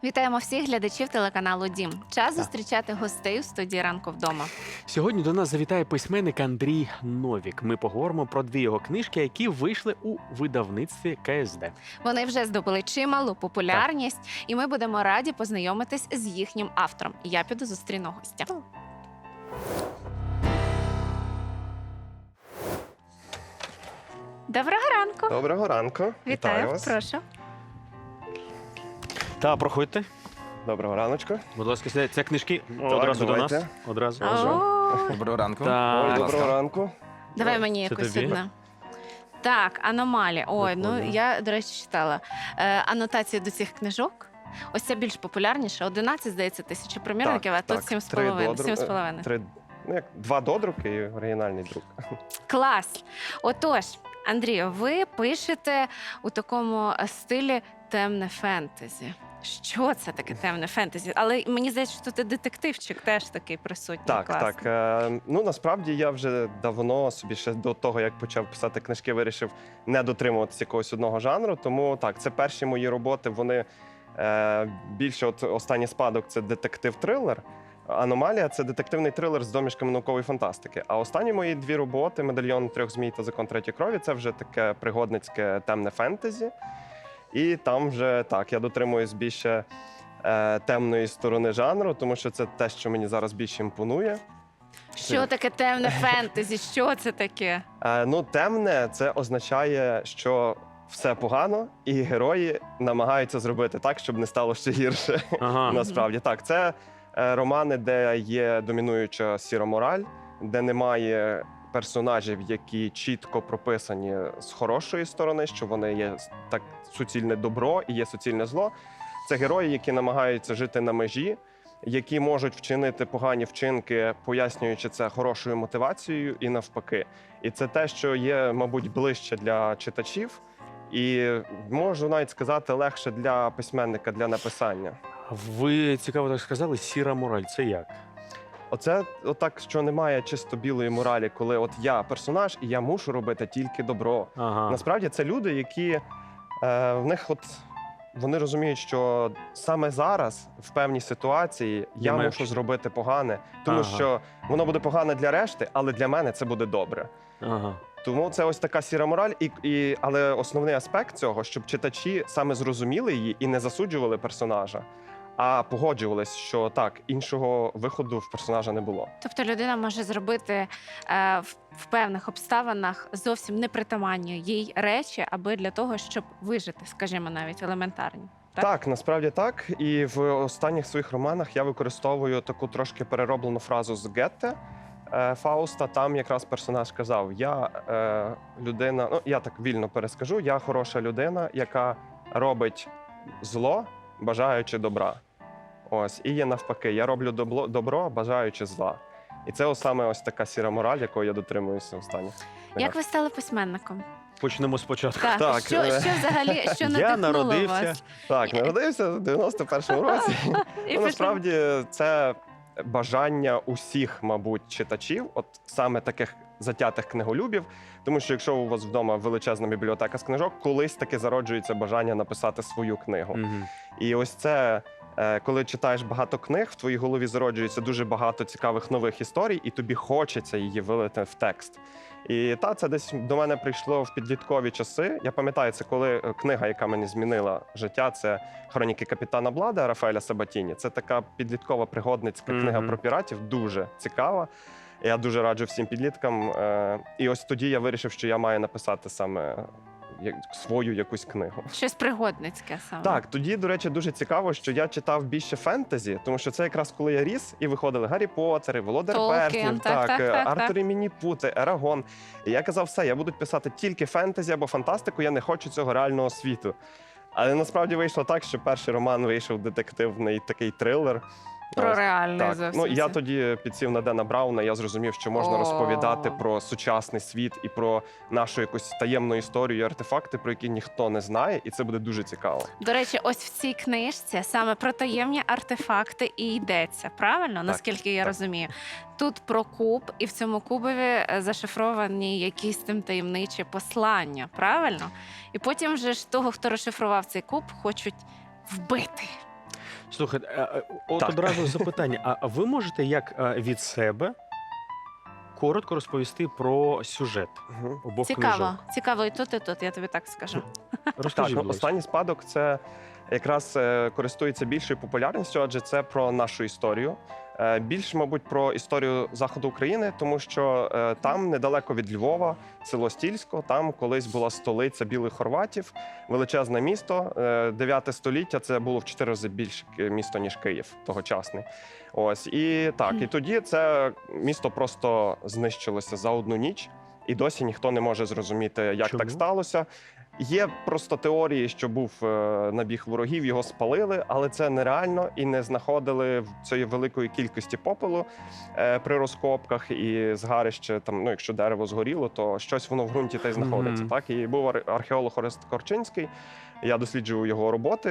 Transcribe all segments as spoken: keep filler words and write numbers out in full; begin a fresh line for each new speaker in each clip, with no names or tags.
Вітаємо всіх глядачів телеканалу Дім. Час зустрічати гостей у студії «Ранку вдома».
Сьогодні до нас завітає письменник Андрій Новік. Ми поговоримо про дві його книжки, які вийшли у видавництві ка ес де.
Вони вже здобули чималу популярність, і ми будемо раді познайомитись з їхнім автором. Я піду зустріну гостя. Доброго ранку!
Доброго ранку.
Вітаю,
вас.
прошу.
Та, проходьте.
Доброго раночку.
Будь ласка, сідайте. Це книжки
Так,
одразу до нас.
давайте.
Одразу.
О,
Доброго ранку.
Так.
Ой,
будь
доброго
ласка.
ранку.
давай мені
Це
якусь
тобі?
одне. Так, аномалія. Ой, ну
Прикольно.
я, до речі, читала е, анотації до цих книжок. Ось це більш популярніше. одинадцять, здається, тисячі примірників, а тут сім з
Три
половиною.
додру-
сім з половиною.
Три, ну, як два додруки і оригінальний друк.
Клас! Отож, Андрію, ви пишете у такому стилі темне фентезі. Що це таке темне фентезі? Але мені здається, що тут і детективчик теж такий присутній.
Так,
класний.
так. Е, ну насправді я вже давно собі ще до того, як почав писати книжки, вирішив не дотримуватися якогось одного жанру. Тому так, це перші мої роботи. Вони е, більше от останній спадок це детектив-трилер. Аномалія це детективний трилер з домішками наукової фантастики. А останні мої дві роботи Медальйон трьох змій та Закон третьої крові це вже таке пригодницьке темне фентезі. І там вже так, я дотримуюсь більше е, темної сторони жанру, тому що це те, що мені зараз більше імпонує.
Що таке темне фентезі? Що це таке?
Е, ну, темне це означає, що все погано, і герої намагаються зробити так, щоб не стало ще гірше.
Ага.
Насправді так, це е, романи, де є домінуюча сіра мораль, де немає персонажів, які чітко прописані з хорошої сторони, що вони є так суцільне добро і є суцільне зло. Це герої, які намагаються жити на межі, які можуть вчинити погані вчинки, пояснюючи це хорошою мотивацією і навпаки. І це те, що є, мабуть, ближче для читачів, і можу навіть сказати, легше для письменника для написання.
Ви цікаво так сказали, сіра мораль. Це як?
Оце отак, що немає чисто білої моралі, коли от я персонаж і я мушу робити тільки добро.
Ага.
Насправді це люди, які е, в них от вони розуміють, що саме зараз в певній ситуації я
Немає
мушу
що.
зробити погане, тому
Ага.
що воно буде погане для решти, але для мене це буде добре.
Ага.
Тому це ось така сіра мораль, і, і але основний аспект цього, щоб читачі саме зрозуміли її і не засуджували персонажа, а погоджувались, що так, іншого виходу в персонажа не було.
Тобто людина може зробити е, в, в певних обставинах зовсім непритаманні їй речі, аби для того, щоб вижити, скажімо, навіть елементарні. Так?
Так, насправді так. І в останніх своїх романах я використовую таку трошки перероблену фразу з Гетте е, Фауста. Там якраз персонаж казав: я е, людина, ну я так вільно перескажу, я хороша людина, яка робить зло, бажаючи добра. Ось, і є навпаки, я роблю добро, добро бажаючи зла. І це ось саме ось така сіра мораль, якої я дотримуюся останніх.
Як ви стали письменником?
Почнемо спочатку.
Так,
Так,
що,
е,
що взагалі, що
Я
надихнуло
народився.
вас?
Так, народився в дев'яносто першому році.
І
Ну,
пішов.
насправді це бажання усіх, мабуть, читачів, от саме таких затятих книголюбів. Тому що якщо у вас вдома величезна бібліотека з книжок, колись таки зароджується бажання написати свою книгу.
Мгм.
І ось це, е, коли читаєш багато книг, в твоїй голові зароджується дуже багато цікавих нових історій, і тобі хочеться її вилити в текст. І та це десь до мене прийшло в підліткові часи. Я пам'ятаю, це коли е, книга, яка мені змінила життя, це «Хроніки капітана Блада» Рафаеля Сабатіні. Це така підліткова пригодницька
Мгм.
книга про піратів, дуже цікава. Я дуже раджу всім підліткам. Е, І ось тоді я вирішив, що я маю написати саме як- свою якусь книгу.
Щось пригодницьке саме.
Так, тоді, до речі, дуже цікаво, що я читав більше фентезі, тому що це якраз коли я ріс і виходили Гаррі Поттери, Володар
Толкін,
Перснів,
так, так,
е,
так,
Артур
так.
і Мініпути, Ерагон. І я казав, все, я буду писати тільки фентезі або фантастику, я не хочу цього реального світу. Але насправді вийшло так, що перший роман вийшов детективний такий трилер.
Про
Ось.
реальне
Так,
зовсім.
ну я
це.
тоді підсів на Дена Брауна. Я зрозумів, що можна
О.
розповідати про сучасний світ і про нашу якусь таємну історію, і артефакти, про які ніхто не знає, і це буде дуже цікаво.
До речі, ось в цій книжці саме про таємні артефакти і йдеться, правильно? Наскільки я
так.
розумію. Тут про куб, і в цьому кубові е, зашифровані якісь тим таємничі послання, правильно? І потім вже ж того, хто розшифрував цей куб, хочуть вбити.
Слухайте, а, а, от
Так.
одразу запитання: а а ви можете як а, від себе коротко розповісти про сюжет
Мгм.
обох
Цікаво,
книжок?
цікаво і тут, і тут, я тобі так скажу.
Розкажіть,
Так, ну,
будь ласка.
останній спадок це якраз е, користується більшою популярністю, адже це про нашу історію. Е, Більше, мабуть, про історію заходу України, тому що е, там недалеко від Львова, село Стільсько, там колись була столиця білих хорватів, величезне місто. Е, Дев'яте століття це було в чотири рази більше ки- місто, ніж Київ тогочасний. Ось і так, і тоді це місто просто знищилося за одну ніч, і досі ніхто не може зрозуміти, як
Чому?
так сталося. Є просто теорії, що був е, набіг ворогів, його спалили, але це нереально і не знаходили в цієї великої кількості попелу е, при розкопках і згарище. Там, ну якщо дерево згоріло, то щось воно в ґрунті та й знаходиться.
Мгм.
Так і був ар- археолог Орест Корчинський. Я досліджував його роботи.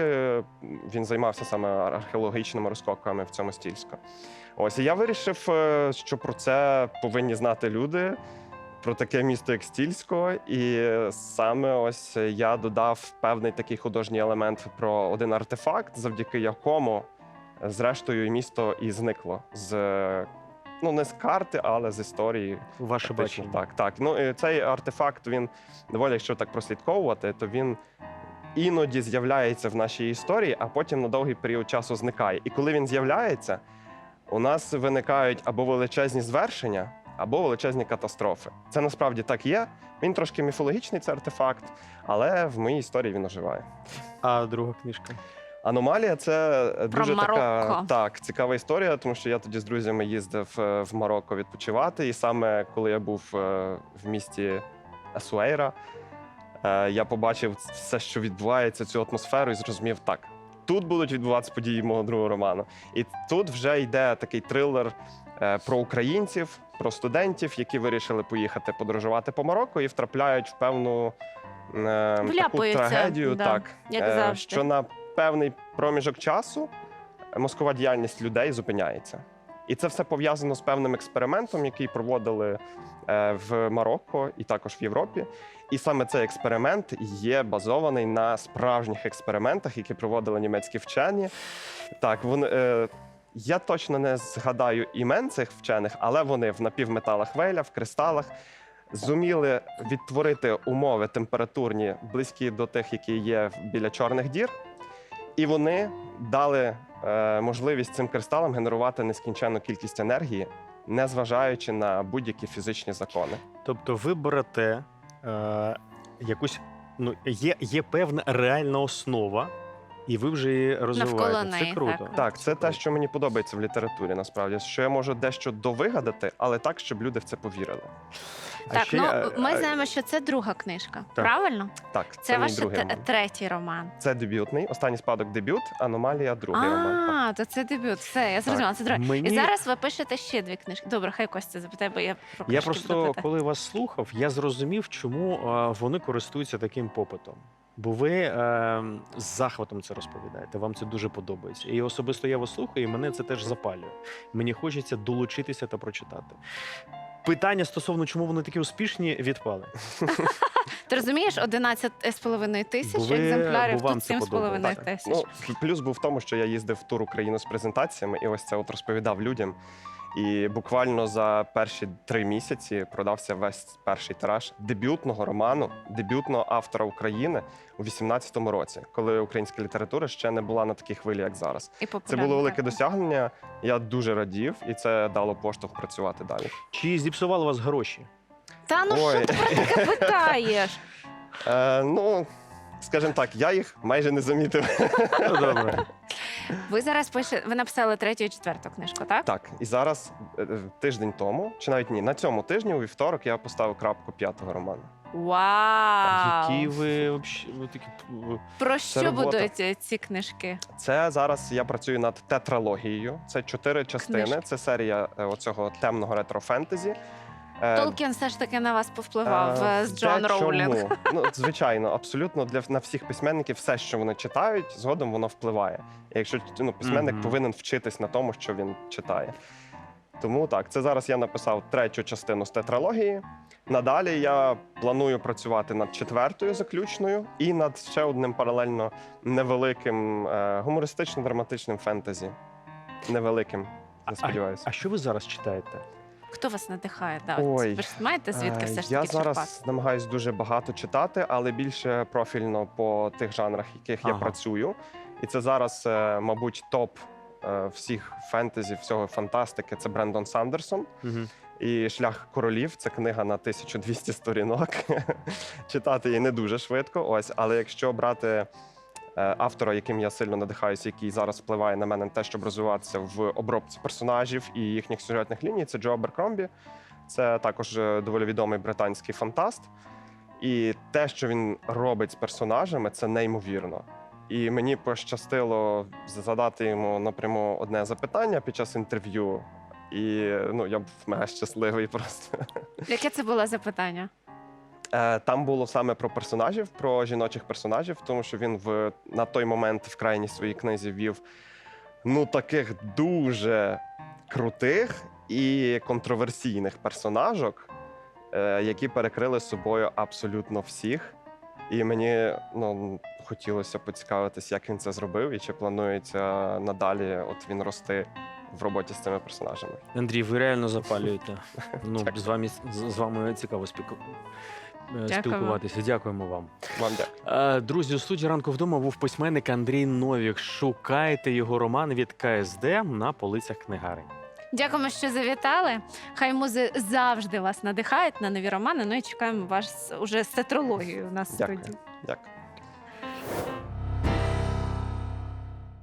Він займався саме археологічними розкопками в цьому Стільську. Ось і я вирішив, е, що про це повинні знати люди. Про таке місто, як Стільсько, і саме ось я додав певний такий художній елемент про один артефакт, завдяки якому, зрештою, місто і зникло з ну не з карти, але з історії.
Ваше
Фактично,
бачення.
Так, так. Ну і цей артефакт він доволі, якщо так прослідковувати, то він іноді з'являється в нашій історії, а потім на довгий період часу зникає. І коли він з'являється, у нас виникають або величезні звершення, або величезні катастрофи. Це насправді так є. Він трошки міфологічний, цей артефакт, але в моїй історії він оживає.
А друга книжка?
Аномалія це дуже така
Марокко.
так, цікава історія, тому що я тоді з друзями їздив е, в Марокко відпочивати. І саме коли я був е, в місті Асуейра, е, я побачив все, що відбувається, цю атмосферу, і зрозумів, так, тут будуть відбуватися події мого другого роману. І тут вже йде такий трилер е, про українців, про студентів, які вирішили поїхати подорожувати по Марокко і втрапляють в певну е, таку
Вляпуються,
трагедію,
да,
так,
як
е,
завжди.
що на певний проміжок часу мозкова діяльність людей зупиняється. І це все пов'язано з певним експериментом, який проводили е, в Марокко і також в Європі. І саме цей експеримент є базований на справжніх експериментах, які проводили німецькі вчені. Так, вони, е, я точно не згадаю імен цих вчених, але вони в напівметалах Вейля, в кристалах зуміли відтворити умови температурні, близькі до тих, які є біля чорних дір. І вони дали е, можливість цим кристалам генерувати нескінченну кількість енергії, незважаючи на будь-які фізичні закони.
Тобто ви берете е, якусь, ну, є, є певна реальна основа, і ви вже її розвиваєте.
Навколо
Це
неї,
круто.
так.
Так, це те,
круто.
що мені подобається в літературі, насправді, що я можу дещо довигадати, але так, щоб люди в це повірили.
А
Так,
ще,
ну
е,
ми
е,
знаємо, що це друга книжка.
Так.
Правильно?
Так, це,
Це
мій
ваш
другий
те-
роман.
третій роман.
Це дебютний, останній спадок дебют, аномалія другий роман. Так.
А, то це дебют. Все, я зрозуміла. Це друге.
Мені-
І зараз ви пишете ще дві книжки. Добре, хай Костя запитає, бо я про
Я
книжки
просто,
буду питати.
коли вас слухав, я зрозумів, чому е, вони користуються таким попитом. Бо ви е, з захватом це розповідаєте, вам це дуже подобається. І особисто я вас слухаю, і мене це теж запалює. Мені хочеться долучитися та прочитати. Питання стосовно, чому вони такі успішні, відпали.
Ти розумієш, одинадцять з половиною тисяч
Бо ви-
екземплярів,
бо вам
тут
це
сім з половиною
Так,
тисяч.
ну, плюс був в тому, що я їздив в тур Україну з презентаціями, і ось це от розповідав людям. І буквально за перші три місяці продався весь перший тираж дебютного роману, дебютного автора України у вісімнадцятому році, коли українська література ще не була на такій хвилі, як зараз.
І
Це
популярно,
було велике
так.
досягнення. Я дуже радів, і це дало поштовх працювати далі.
Чи зіпсували вас гроші?
Та ну
Ой.
що ти про таке питаєш?
Е, ну, скажімо так, я їх майже не замітив.
Ну, добре.
Ви зараз пишете, ви написали третю і четверту книжку, так?
Так, і зараз е, тиждень тому, чи навіть ні, на цьому тижні у вівторок я поставив крапку п'ятого роману.
Вау!
Які ви вообще ви такі п-
Про що
робота.
будуть е, ці книжки?
Це зараз я працюю над тетралогією. Це чотири частини.
Книжки.
Це серія е, оцього темного ретро-фентезі. Е,
Толкін все ж таки на вас повпливав
е,
е, з Джон
дечому.
Роулінг.
Ну, звичайно, абсолютно для на всіх письменників все, що вони читають, згодом воно впливає. І якщо ну, письменник
Мгм.
повинен вчитись на тому, що він читає. Тому так, це зараз я написав третю частину з тетралогії. Надалі я планую працювати над четвертою заключною і над ще одним паралельно невеликим е, гумористично-драматичним фентезі. Невеликим, я сподіваюся.
А що ви зараз читаєте?
Хто вас надихає? Да, от
Ой,
ви ж знаєте, звідки
Е,
все ж
Я
таки
зараз
черпати?
намагаюся дуже багато читати, але більше профільно по тих жанрах, яких я
Ага.
працюю. І це зараз, е, мабуть, топ е, всіх фентезі, всього фантастики. Це Брендон Сандерсон.
Угу.
І Шлях королів це книга на тисячу двісті сторінок. Читати її не дуже швидко. Ось, але якщо брати е, автора, яким я сильно надихаюся, який зараз впливає на мене на те, щоб розвиватися в обробці персонажів і їхніх сюжетних ліній, це Джо Аберкромбі. Це також е, доволі відомий британський фантаст. І те, що він робить з персонажами, це неймовірно. І мені пощастило задати йому напряму одне запитання під час інтерв'ю. І ну, я був мега щасливий просто.
Яке це було запитання?
Е, Там було саме про персонажів, про жіночих персонажів, тому що він в, на той момент в крайній своїй книзі вів ну, таких дуже крутих і контроверсійних персонажок, е, які перекрили собою абсолютно всіх. І мені ну, хотілося поцікавитись, як він це зробив і чи планується надалі от він рости в роботі з цими персонажами.
Андрій, ви реально запалюєте. Ну,
Дякую.
з вами з, з вами цікаво спілку... е, спілкуватися. Дякуємо вам.
Вам дякую.
Е, Друзі, у студії ранку вдома був письменник Андрій Новік. Шукайте його роман від КСД на полицях книгарень.
Дякуємо, що завітали. Хай музи завжди вас надихають на нові романи. Ну і чекаємо вас уже з тетралогією у нас в
Дякую.
студії.
Дякую.